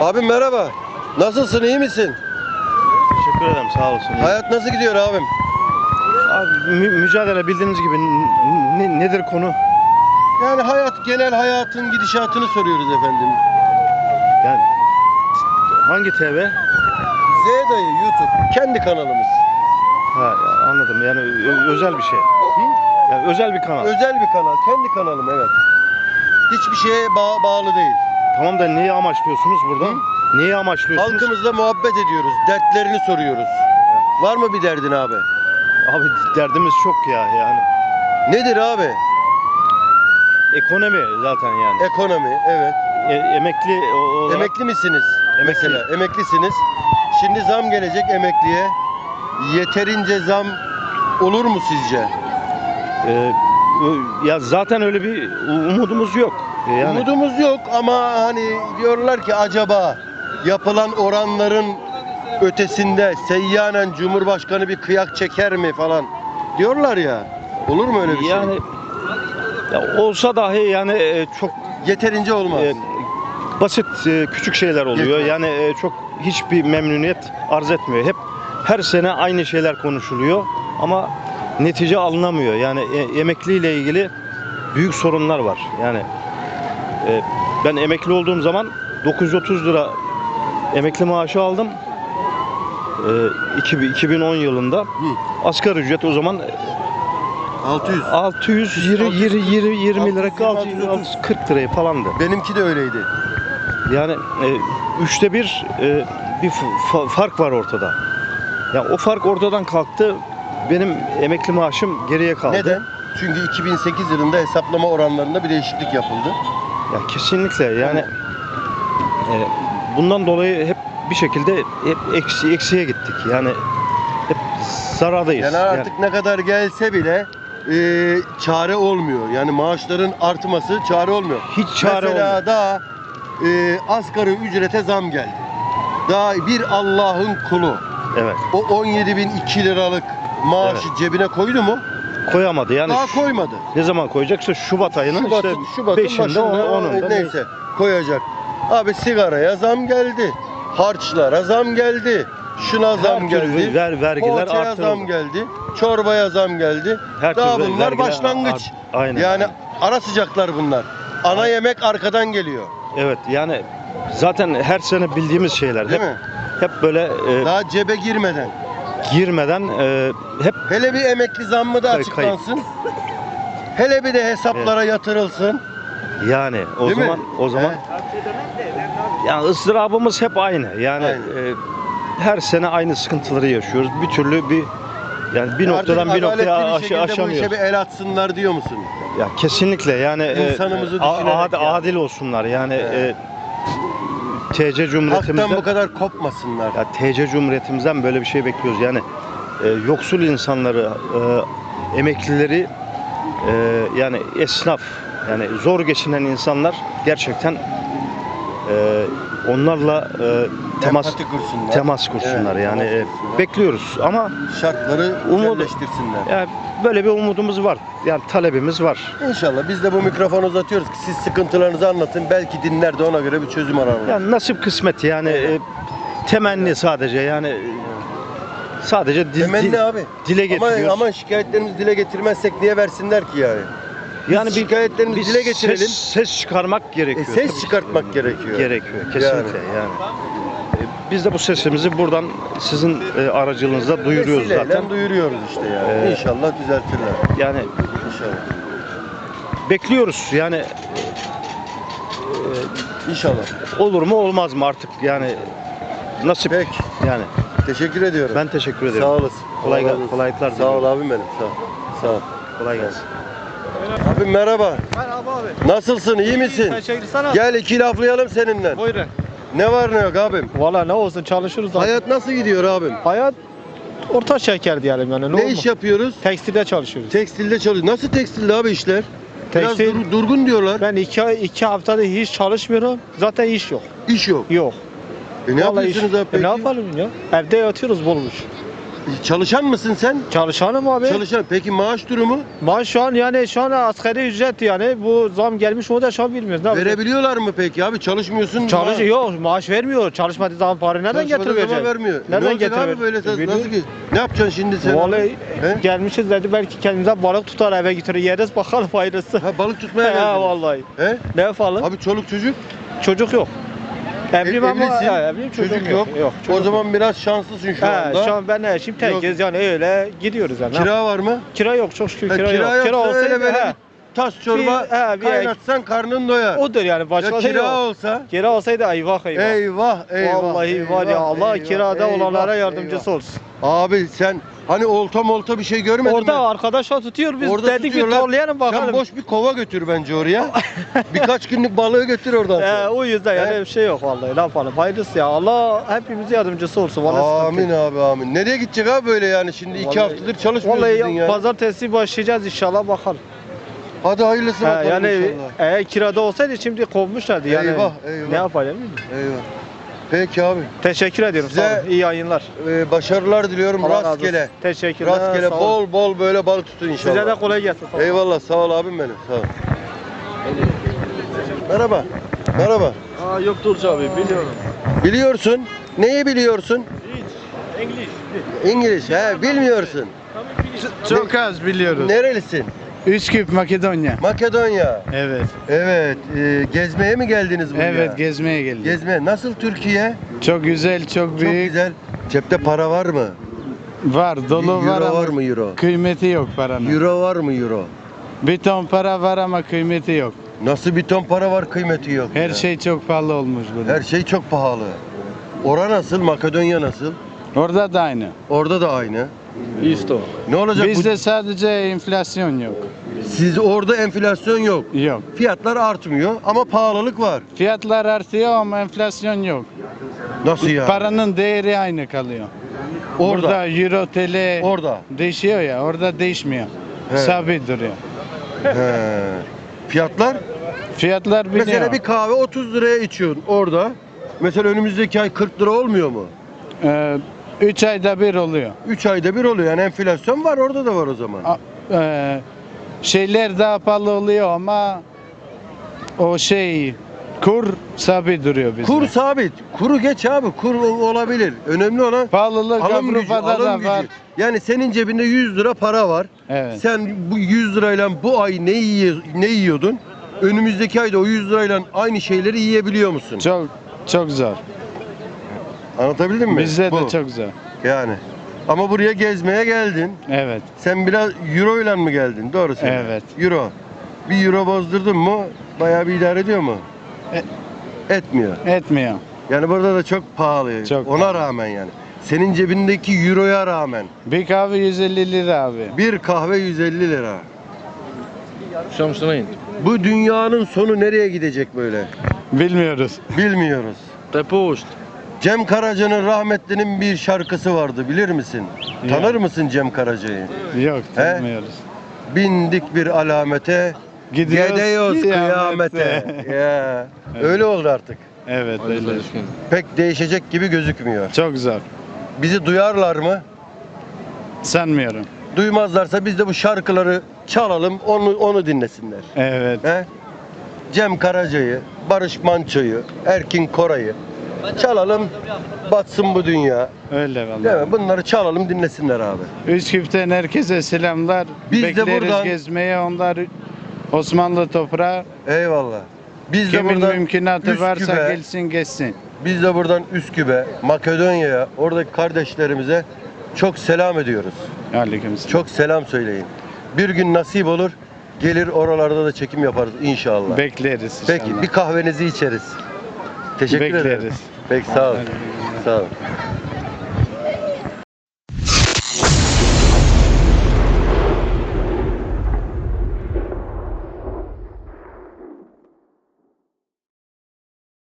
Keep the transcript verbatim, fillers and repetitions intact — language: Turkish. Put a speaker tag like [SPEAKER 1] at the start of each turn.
[SPEAKER 1] Abim merhaba. Nasılsın, iyi misin?
[SPEAKER 2] Teşekkür ederim, sağ olsun.
[SPEAKER 1] Hayat nasıl gidiyor abim?
[SPEAKER 2] Abi, mü- mücadele bildiğiniz gibi n- ne- nedir konu?
[SPEAKER 1] Yani hayat, genel hayatın gidişatını soruyoruz efendim.
[SPEAKER 2] Yani hangi T V?
[SPEAKER 1] Z dayı YouTube, kendi kanalımız.
[SPEAKER 2] Ha, ya, anladım. Yani ö- özel bir şey.
[SPEAKER 1] Hı?
[SPEAKER 2] Yani özel bir kanal.
[SPEAKER 1] Özel bir kanal, kendi kanalım evet. Hiçbir şeye ba- bağlı değil.
[SPEAKER 2] Tamam da neyi amaçlıyorsunuz buradan? Neyi amaçlıyorsunuz?
[SPEAKER 1] Halkımızla muhabbet ediyoruz, dertlerini soruyoruz. Var mı bir derdin abi?
[SPEAKER 2] Abi derdimiz çok ya yani.
[SPEAKER 1] Nedir abi?
[SPEAKER 2] Ekonomi zaten yani.
[SPEAKER 1] Ekonomi, evet.
[SPEAKER 2] E- emekli o- olarak.
[SPEAKER 1] Emekli misiniz?
[SPEAKER 2] Emekli.
[SPEAKER 1] Mesela emeklisiniz. Şimdi zam gelecek emekliye. Yeterince zam olur mu sizce?
[SPEAKER 2] E, ö- ya zaten öyle bir umudumuz yok. E, Yani
[SPEAKER 1] Umudumuz yok ama hani diyorlar ki acaba yapılan oranların ötesinde seyyanen Cumhurbaşkanı bir kıyak çeker mi falan diyorlar ya. Olur mu öyle bir
[SPEAKER 2] yani ya olsa dahi yani e, çok
[SPEAKER 1] şey? Yeterince olmaz.
[SPEAKER 2] e, basit e, küçük şeyler oluyor.
[SPEAKER 1] Yetmez.
[SPEAKER 2] Yani e, çok hiçbir memnuniyet arz etmiyor. Hep her sene aynı şeyler konuşuluyor ama netice alınamıyor. Yani e, emekliyle ilgili büyük sorunlar var. Yani e, ben emekli olduğum zaman dokuz yüz otuz lira emekli maaşı aldım. E, iki bin iki bin on yılında.
[SPEAKER 1] Hı.
[SPEAKER 2] Asgari ücret o zaman
[SPEAKER 1] altı yüz.
[SPEAKER 2] altı yüz yirmi yirmi yirmi lira
[SPEAKER 1] altı yüz yirmi,
[SPEAKER 2] altı yüz kırk liraya falandı.
[SPEAKER 1] Benimki de öyleydi.
[SPEAKER 2] Yani e, üçte bir e, bir fa- fark var ortada. Ya o fark ortadan kalktı. Benim emekli maaşım geriye kaldı.
[SPEAKER 1] Neden? Çünkü iki bin sekiz yılında hesaplama oranlarında bir değişiklik yapıldı.
[SPEAKER 2] Ya kesinlikle yani e, bundan dolayı hep bir şekilde hep eksi eksiye gittik. Yani hep zarardayız.
[SPEAKER 1] Yani artık ne kadar gelse bile e, çare olmuyor. Yani maaşların artması çare olmuyor.
[SPEAKER 2] Hiç çare
[SPEAKER 1] Mesela
[SPEAKER 2] olmuyor.
[SPEAKER 1] daha e, asgari ücrete zam geldi. Daha bir Allah'ın kulu
[SPEAKER 2] Evet.
[SPEAKER 1] o on yedi bin iki liralık maaşı cebine koydu mu?
[SPEAKER 2] Koyamadı. Yani
[SPEAKER 1] Daha
[SPEAKER 2] şu-
[SPEAKER 1] koymadı.
[SPEAKER 2] ne zaman koyacaksa Şubat ayının
[SPEAKER 1] Şubat'ın,
[SPEAKER 2] işte
[SPEAKER 1] Şubat'ın
[SPEAKER 2] beşinde
[SPEAKER 1] başında
[SPEAKER 2] onunda
[SPEAKER 1] neyse koyacak. Abi sigaraya zam geldi. Harçlara zam geldi. Şuna zam
[SPEAKER 2] her türlü
[SPEAKER 1] geldi.
[SPEAKER 2] ver, vergiler
[SPEAKER 1] Poğaçaya
[SPEAKER 2] artırıldı.
[SPEAKER 1] zam geldi. Çorbaya zam geldi.
[SPEAKER 2] Her
[SPEAKER 1] Daha
[SPEAKER 2] türlü
[SPEAKER 1] bunlar
[SPEAKER 2] vergiler
[SPEAKER 1] başlangıç.
[SPEAKER 2] art- aynen.
[SPEAKER 1] Yani ara sıcaklar bunlar. Ana yemek arkadan geliyor.
[SPEAKER 2] Evet yani zaten her sene bildiğimiz şeyler.
[SPEAKER 1] Değil
[SPEAKER 2] hep
[SPEAKER 1] mi?
[SPEAKER 2] hep böyle e,
[SPEAKER 1] Daha cebe girmeden.
[SPEAKER 2] girmeden e, hep
[SPEAKER 1] Hele bir emekli zammı da
[SPEAKER 2] Kay-
[SPEAKER 1] açıklansın. Hele bir de hesaplara yatırılsın.
[SPEAKER 2] yani o
[SPEAKER 1] Değil mi?
[SPEAKER 2] zaman o zaman
[SPEAKER 1] He.
[SPEAKER 2] yani ızdırabımız hep aynı. Yani
[SPEAKER 1] Aynen.
[SPEAKER 2] e, her sene aynı sıkıntıları yaşıyoruz. Bir türlü bir yani bir
[SPEAKER 1] Artık
[SPEAKER 2] noktadan bir
[SPEAKER 1] adaletli
[SPEAKER 2] noktaya
[SPEAKER 1] bir
[SPEAKER 2] aş-
[SPEAKER 1] şekilde bu işe
[SPEAKER 2] aşamıyoruz.
[SPEAKER 1] bir el atsınlar diyor musun?
[SPEAKER 2] Ya kesinlikle yani e,
[SPEAKER 1] İnsanımızı
[SPEAKER 2] a-
[SPEAKER 1] düşünerek
[SPEAKER 2] ad-
[SPEAKER 1] yani.
[SPEAKER 2] adil olsunlar. Yani
[SPEAKER 1] Evet.
[SPEAKER 2] e, T C Cumhuriyetimizden
[SPEAKER 1] Hak'tan bu kadar kopmasınlar.
[SPEAKER 2] ya T C Cumhuriyetimizden böyle bir şey bekliyoruz. Yani e, yoksul insanları, e, emeklileri, e, yani esnaf, yani zor geçinen insanlar gerçekten e, onlarla e, temas
[SPEAKER 1] Empati kursunlar.
[SPEAKER 2] temas kursunlar.
[SPEAKER 1] Evet,
[SPEAKER 2] yani
[SPEAKER 1] temas
[SPEAKER 2] e,
[SPEAKER 1] kursunlar.
[SPEAKER 2] bekliyoruz ama
[SPEAKER 1] Şartları
[SPEAKER 2] Umut-
[SPEAKER 1] güzelleştirsinler.
[SPEAKER 2] yani böyle bir umudumuz var. Yani talebimiz var.
[SPEAKER 1] İnşallah biz de bu mikrofonu uzatıyoruz ki siz sıkıntılarınızı anlatın. Belki dinler de ona göre bir çözüm ararlar.
[SPEAKER 2] Yani nasip kısmet yani e, temenni sadece yani e, sadece dil,
[SPEAKER 1] Temenni
[SPEAKER 2] dil-
[SPEAKER 1] abi.
[SPEAKER 2] dile
[SPEAKER 1] Ama,
[SPEAKER 2] getiriyoruz.
[SPEAKER 1] ama şikayetlerimizi dile getirmezsek niye versinler ki yani? Biz
[SPEAKER 2] yani bir
[SPEAKER 1] şikayetlerimizi
[SPEAKER 2] bir
[SPEAKER 1] dile getirelim.
[SPEAKER 2] Ses, ses çıkarmak
[SPEAKER 1] E,
[SPEAKER 2] gerekiyor.
[SPEAKER 1] ses
[SPEAKER 2] Tabii.
[SPEAKER 1] çıkartmak gerekiyor.
[SPEAKER 2] Gerekiyor kesinlikle yani. E, Biz de bu sesimizi buradan sizin e, aracılığınızla duyuruyoruz
[SPEAKER 1] Vesileyle
[SPEAKER 2] zaten.
[SPEAKER 1] duyuruyoruz işte yani.
[SPEAKER 2] Ee,
[SPEAKER 1] İnşallah düzeltirler.
[SPEAKER 2] Yani
[SPEAKER 1] İnşallah.
[SPEAKER 2] bekliyoruz yani
[SPEAKER 1] İnşallah.
[SPEAKER 2] olur mu olmaz mı artık yani nasip
[SPEAKER 1] Peki.
[SPEAKER 2] yani.
[SPEAKER 1] Teşekkür ediyorum.
[SPEAKER 2] Ben teşekkür ederim.
[SPEAKER 1] Sağ olasın.
[SPEAKER 2] Kolay
[SPEAKER 1] Allah
[SPEAKER 2] gel-
[SPEAKER 1] razı olsun.
[SPEAKER 2] kolaylıklar
[SPEAKER 1] Sağ
[SPEAKER 2] diliyorum.
[SPEAKER 1] ol abim benim. Sağ ol. Sağ ol.
[SPEAKER 2] Kolay gelsin.
[SPEAKER 1] Abim merhaba.
[SPEAKER 3] Merhaba abi.
[SPEAKER 1] Nasılsın? İyi misin?
[SPEAKER 3] Teşekkür sana.
[SPEAKER 1] Gel iki laflayalım seninle.
[SPEAKER 3] Buyurun.
[SPEAKER 1] Ne var ne yok abim?
[SPEAKER 3] Valla ne olsun çalışırız. Hayat,
[SPEAKER 1] Hayat nasıl gidiyor abim?
[SPEAKER 3] Hayat orta şeker diyelim yani. Ne,
[SPEAKER 1] Ne
[SPEAKER 3] olmaz.
[SPEAKER 1] iş yapıyoruz?
[SPEAKER 3] Tekstilde çalışıyoruz.
[SPEAKER 1] Tekstilde çalışıyoruz. Nasıl tekstilde abi işler? Biraz
[SPEAKER 3] Tekstil-
[SPEAKER 1] dur- durgun diyorlar.
[SPEAKER 3] Ben iki, iki haftada hiç çalışmıyorum. Zaten iş yok.
[SPEAKER 1] İş yok.
[SPEAKER 3] Yok.
[SPEAKER 1] E ne
[SPEAKER 3] Vallahi
[SPEAKER 1] yapıyorsunuz
[SPEAKER 3] iş-
[SPEAKER 1] abi peki?
[SPEAKER 3] E ne yapalım ya? Evde yatıyoruz bulmuş.
[SPEAKER 1] Çalışan mısın sen?
[SPEAKER 3] Çalışanım abi.
[SPEAKER 1] Çalışan. Peki maaş durumu?
[SPEAKER 3] Maaş şu an yani şu an asgari ücret yani bu zam gelmiş o da şu an bilmiyoruz. Ne yapacağız?
[SPEAKER 1] Verebiliyorlar mı peki abi? Çalışmıyorsun.
[SPEAKER 3] Çalış
[SPEAKER 1] ma-
[SPEAKER 3] yok maaş vermiyor. Çalışmadığı zaman para nereden
[SPEAKER 1] Çalışmadığı zaman
[SPEAKER 3] getirecek?
[SPEAKER 1] vermiyor. E
[SPEAKER 3] Nereden
[SPEAKER 1] ne olacak
[SPEAKER 3] getirecek?
[SPEAKER 1] abi böyle sen
[SPEAKER 3] Bilmiyorum.
[SPEAKER 1] nasıl ki? Ne yapacaksın şimdi sen?
[SPEAKER 3] Vallahi
[SPEAKER 1] He?
[SPEAKER 3] gelmişiz dedi belki kendimize balık tutar eve götürür yeriz bakalım faydası.
[SPEAKER 1] Ha balık tutmaya
[SPEAKER 3] He
[SPEAKER 1] geldin.
[SPEAKER 3] vallahi.
[SPEAKER 1] He?
[SPEAKER 3] Ne yapalım?
[SPEAKER 1] Abi çoluk çocuk?
[SPEAKER 3] Çocuk yok. Evliyim
[SPEAKER 1] E-
[SPEAKER 3] ama
[SPEAKER 1] evlisin,
[SPEAKER 3] he, evliyim çocuğum
[SPEAKER 1] çocuk yok.
[SPEAKER 3] Yok.
[SPEAKER 1] O
[SPEAKER 3] çocuk
[SPEAKER 1] zaman biraz şanslısın şu
[SPEAKER 3] yok.
[SPEAKER 1] anda.
[SPEAKER 3] He, şu an ben eşim tekiz yani öyle gidiyoruz yani.
[SPEAKER 1] Kira var mı?
[SPEAKER 3] Kira yok çok şükür
[SPEAKER 1] Ha,
[SPEAKER 3] kira,
[SPEAKER 1] kira
[SPEAKER 3] yok.
[SPEAKER 1] yoksa
[SPEAKER 3] Kira
[SPEAKER 1] öyle
[SPEAKER 3] olsaydı
[SPEAKER 1] böyle
[SPEAKER 3] he.
[SPEAKER 1] bir tas çorba
[SPEAKER 3] Bir- he, bir-
[SPEAKER 1] kaynatsan karnın doyar.
[SPEAKER 3] Odur yani başka
[SPEAKER 1] Ya
[SPEAKER 3] şey
[SPEAKER 1] kira
[SPEAKER 3] yok.
[SPEAKER 1] olsa?
[SPEAKER 3] Kira olsaydı eyvah eyvah.
[SPEAKER 1] Eyvah eyvah.
[SPEAKER 3] Vallahi var ya
[SPEAKER 1] eyvah,
[SPEAKER 3] Allah
[SPEAKER 1] eyvah,
[SPEAKER 3] kirada
[SPEAKER 1] eyvah,
[SPEAKER 3] olanlara yardımcısı
[SPEAKER 1] eyvah.
[SPEAKER 3] olsun.
[SPEAKER 1] Abi sen hani olta molta bir şey görmedin
[SPEAKER 3] Orada
[SPEAKER 1] mi?
[SPEAKER 3] arkadaşlar tutuyor biz
[SPEAKER 1] Orada
[SPEAKER 3] dedik bir
[SPEAKER 1] tutuyorlar.
[SPEAKER 3] torlayalım bakalım.
[SPEAKER 1] Sen boş bir kova götür bence oraya. Birkaç günlük balığı götür oradan
[SPEAKER 3] He,
[SPEAKER 1] sonra.
[SPEAKER 3] o yüzden yani
[SPEAKER 1] He?
[SPEAKER 3] bir şey yok vallahi ne yapalım. Hayırlısı ya Allah hepimize yardımcısı olsun. Vallahi
[SPEAKER 1] Amin
[SPEAKER 3] sıkıntı yok.
[SPEAKER 1] abi amin. Nereye gidecek abi böyle yani şimdi iki
[SPEAKER 3] Vallahi-
[SPEAKER 1] haftadır çalışmıyorsun
[SPEAKER 3] Vallahi
[SPEAKER 1] dedin
[SPEAKER 3] ya,
[SPEAKER 1] ya.
[SPEAKER 3] pazartesi başlayacağız inşallah bakalım.
[SPEAKER 1] Hadi hayırlısı
[SPEAKER 3] He,
[SPEAKER 1] bakalım
[SPEAKER 3] yani
[SPEAKER 1] inşallah.
[SPEAKER 3] eğer kirada olsaydı şimdi kovmuşlardı yani.
[SPEAKER 1] Eyvah, eyvah.
[SPEAKER 3] Ne yapalım?
[SPEAKER 1] Eyvah. Peki abi.
[SPEAKER 3] Teşekkür ediyorum
[SPEAKER 1] Size-
[SPEAKER 3] sağ olun. İyi yayınlar.
[SPEAKER 1] Ee, başarılar diliyorum
[SPEAKER 3] Allah razı olsun.
[SPEAKER 1] rastgele.
[SPEAKER 3] Teşekkürler.
[SPEAKER 1] Rastgele
[SPEAKER 3] sağ olun.
[SPEAKER 1] bol bol böyle balık tutun inşallah.
[SPEAKER 3] Size de kolay gelsin. Sağ olun.
[SPEAKER 1] Eyvallah sağ ol abim benim sağ ol. Merhaba. Merhaba.
[SPEAKER 3] Aa, yok Turcu abi biliyorum.
[SPEAKER 1] Biliyorsun. Neyi biliyorsun?
[SPEAKER 3] İngiliz.
[SPEAKER 1] İngiliz. He bilmiyorsun.
[SPEAKER 4] Çok az biliyoruz.
[SPEAKER 1] Nerelisin?
[SPEAKER 4] Üsküp, Makedonya.
[SPEAKER 1] Makedonya.
[SPEAKER 4] Evet.
[SPEAKER 1] Evet. e, gezmeye mi geldiniz buraya?
[SPEAKER 4] Evet, gezmeye geldik.
[SPEAKER 1] Gezmeye. Nasıl Türkiye?
[SPEAKER 4] Çok güzel, çok
[SPEAKER 1] Çok
[SPEAKER 4] büyük.
[SPEAKER 1] güzel. Cepte para var mı?
[SPEAKER 4] Var, dolu
[SPEAKER 1] Euro
[SPEAKER 4] var ama
[SPEAKER 1] var mı euro?
[SPEAKER 4] kıymeti yok paranın.
[SPEAKER 1] Euro var mı euro?
[SPEAKER 4] Bir ton para var ama kıymeti yok.
[SPEAKER 1] Nasıl bir ton para var kıymeti yok
[SPEAKER 4] Her
[SPEAKER 1] ya?
[SPEAKER 4] şey çok pahalı olmuş burada.
[SPEAKER 1] Her şey çok pahalı. Ora nasıl? Makedonya nasıl?
[SPEAKER 4] Orada da aynı.
[SPEAKER 1] Orada da aynı.
[SPEAKER 3] İsto.
[SPEAKER 1] Ne olacak bu?
[SPEAKER 4] Bizde sadece enflasyon yok.
[SPEAKER 1] Siz orada enflasyon yok.
[SPEAKER 4] Yok.
[SPEAKER 1] Fiyatlar artmıyor ama pahalılık var.
[SPEAKER 4] Fiyatlar artıyor ama enflasyon yok.
[SPEAKER 1] Nasıl ya?
[SPEAKER 4] Paranın değeri aynı kalıyor.
[SPEAKER 1] Orada.
[SPEAKER 4] Burada euro, T L
[SPEAKER 1] Orada.
[SPEAKER 4] değişiyor ya, orada değişmiyor.
[SPEAKER 1] He.
[SPEAKER 4] Sabit duruyor.
[SPEAKER 1] He. Fiyatlar?
[SPEAKER 4] Fiyatlar biliyor.
[SPEAKER 1] Mesela bir kahve otuz liraya içiyorsun orada. Mesela önümüzdeki ay kırk lira olmuyor mu?
[SPEAKER 4] Ee, üç ayda bir oluyor.
[SPEAKER 1] üç ayda bir oluyor. Yani enflasyon var orada da var o zaman.
[SPEAKER 4] A- e, şeyler daha pahalı oluyor ama o şey kur sabit duruyor bizde.
[SPEAKER 1] Kur sabit. Kuru geç abi. Kur o- olabilir. Önemli olan
[SPEAKER 4] Pahalılık
[SPEAKER 1] alım gücü.
[SPEAKER 4] Avrupa'da
[SPEAKER 1] Alım
[SPEAKER 4] da var.
[SPEAKER 1] gücü. Yani senin cebinde yüz lira para var.
[SPEAKER 4] Evet.
[SPEAKER 1] Sen bu yüz lirayla bu ay ne yiye, ne yiyordun? Önümüzdeki ayda o yüz lirayla aynı şeyleri yiyebiliyor musun?
[SPEAKER 4] Çok çok zor.
[SPEAKER 1] Anlatabildim mi?
[SPEAKER 4] Bizde
[SPEAKER 1] Bu.
[SPEAKER 4] de çok zor.
[SPEAKER 1] Yani. Ama buraya gezmeye geldin.
[SPEAKER 4] Evet.
[SPEAKER 1] Sen biraz euro ile mi geldin? Doğru söylüyorsun.
[SPEAKER 4] Evet.
[SPEAKER 1] Euro. Bir euro bozdurdun mu bayağı bir idare ediyor mu? Etmiyor.
[SPEAKER 4] Etmiyor.
[SPEAKER 1] Yani burada da çok pahalı.
[SPEAKER 4] Çok
[SPEAKER 1] Ona
[SPEAKER 4] pahalı.
[SPEAKER 1] rağmen yani. Senin cebindeki euroya rağmen
[SPEAKER 4] Bir kahve yüz elli lira abi.
[SPEAKER 1] bir kahve yüz elli lira.
[SPEAKER 3] Şamsınayın.
[SPEAKER 1] Bu dünyanın sonu nereye gidecek böyle?
[SPEAKER 4] Bilmiyoruz.
[SPEAKER 1] Bilmiyoruz.
[SPEAKER 3] Depost.
[SPEAKER 1] Cem Karaca'nın rahmetlinin bir şarkısı vardı bilir misin?
[SPEAKER 4] Ya.
[SPEAKER 1] Tanır mısın Cem Karaca'yı?
[SPEAKER 4] Yok,
[SPEAKER 1] He?
[SPEAKER 4] tanımıyoruz.
[SPEAKER 1] Bindik bir alamete,
[SPEAKER 4] Gidiyoruz
[SPEAKER 1] gidiyoruz kıyamete.
[SPEAKER 4] kıyamete.
[SPEAKER 1] Ya,
[SPEAKER 4] Evet.
[SPEAKER 1] öyle oldu artık.
[SPEAKER 4] Evet, öyle.
[SPEAKER 1] Pek değişecek gibi gözükmüyor.
[SPEAKER 4] Çok zor.
[SPEAKER 1] Bizi duyarlar mı?
[SPEAKER 4] Sanmıyorum.
[SPEAKER 1] Duymazlarsa biz de bu şarkıları çalalım, onu onu dinlesinler.
[SPEAKER 4] Evet.
[SPEAKER 1] He? Cem Karaca'yı, Barış Manço'yu, Erkin Koray'ı çalalım, batsın bu dünya.
[SPEAKER 4] Öyle vallahi.
[SPEAKER 1] Değil mi? Bunları çalalım, dinlesinler abi.
[SPEAKER 4] Üsküp'ten herkese selamlar.
[SPEAKER 1] Biz de
[SPEAKER 4] Bekleriz
[SPEAKER 1] buradan-
[SPEAKER 4] gezmeye. Onlar Osmanlı toprağı.
[SPEAKER 1] Eyvallah. Biz de
[SPEAKER 4] Kimin
[SPEAKER 1] buradan
[SPEAKER 4] mümkünatı varsa
[SPEAKER 1] Üsküp'e,
[SPEAKER 4] gelsin geçsin.
[SPEAKER 1] biz de buradan Üsküp'e, Makedonya'ya, oradaki kardeşlerimize çok selam ediyoruz.
[SPEAKER 4] Aleykümselam.
[SPEAKER 1] Çok selam söyleyin. Bir gün nasip olur, gelir oralarda da çekim yaparız inşallah.
[SPEAKER 4] Bekleriz inşallah.
[SPEAKER 1] Peki bir kahvenizi içeriz. Teşekkür ederim.
[SPEAKER 4] Bekleriz.
[SPEAKER 1] Peki sağ olun.
[SPEAKER 4] Hadi.
[SPEAKER 1] Sağ olun.